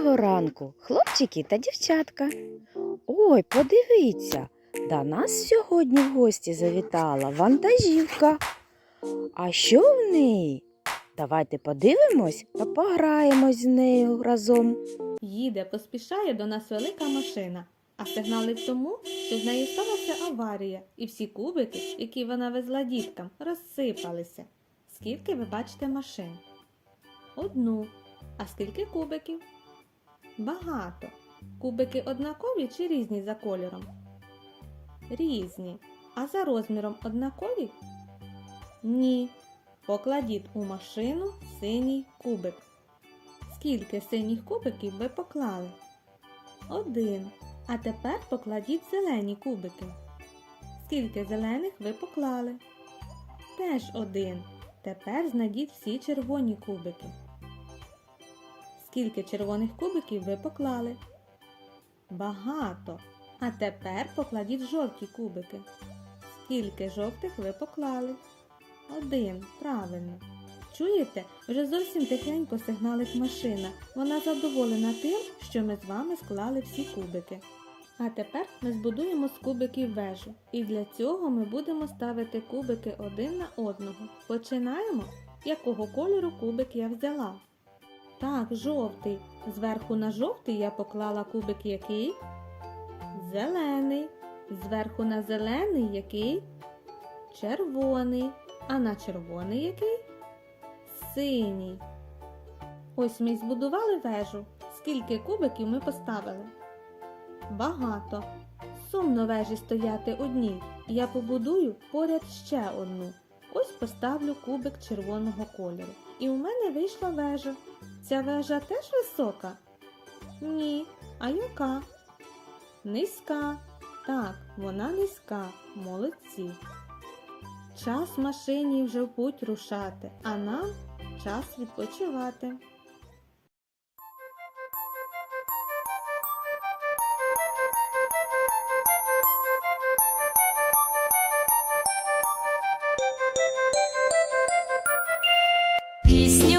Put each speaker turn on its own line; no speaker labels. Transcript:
Доброго ранку, хлопчики та дівчатка. Ой, подивіться, до нас сьогодні в гості завітала вантажівка. А що в неї? Давайте подивимось та пограємось з нею разом.
Їде, поспішає до нас велика машина, а сигналить тому, що з нею сталася аварія, і всі кубики, які вона везла діткам, розсипалися. Скільки ви бачите машин? Одну. А скільки кубиків? Багато. Кубики однакові чи різні за кольором? Різні. А за розміром однакові? Ні. Покладіть у машину синій кубик. Скільки синіх кубиків ви поклали? Один. А тепер покладіть зелені кубики. Скільки зелених ви поклали? Теж один. Тепер знайдіть всі червоні кубики. Скільки червоних кубиків ви поклали? Багато. А тепер покладіть жовті кубики. Скільки жовтих ви поклали? Один. Правильно. Чуєте? Вже зовсім тихенько сигналить машина. Вона задоволена тим, що ми з вами склали всі кубики. А тепер ми збудуємо з кубиків вежу. І для цього ми будемо ставити кубики один на одного. Починаємо? Якого кольору кубик я взяла? Так, жовтий. Зверху на жовтий я поклала кубик який? Зелений. Зверху на зелений який? Червоний. А на червоний який? Синій. Ось ми й збудували вежу. Скільки кубиків ми поставили? Багато. Сумно вежі стояти одній. Я побудую поряд ще одну. Ось поставлю кубик червоного кольору. І у мене вийшла вежа. Ця вежа теж висока? Ні. А яка? Низька. Так, вона низька. Молодці. Час машині вже в путь рушати, а нам час відпочивати.
Пісня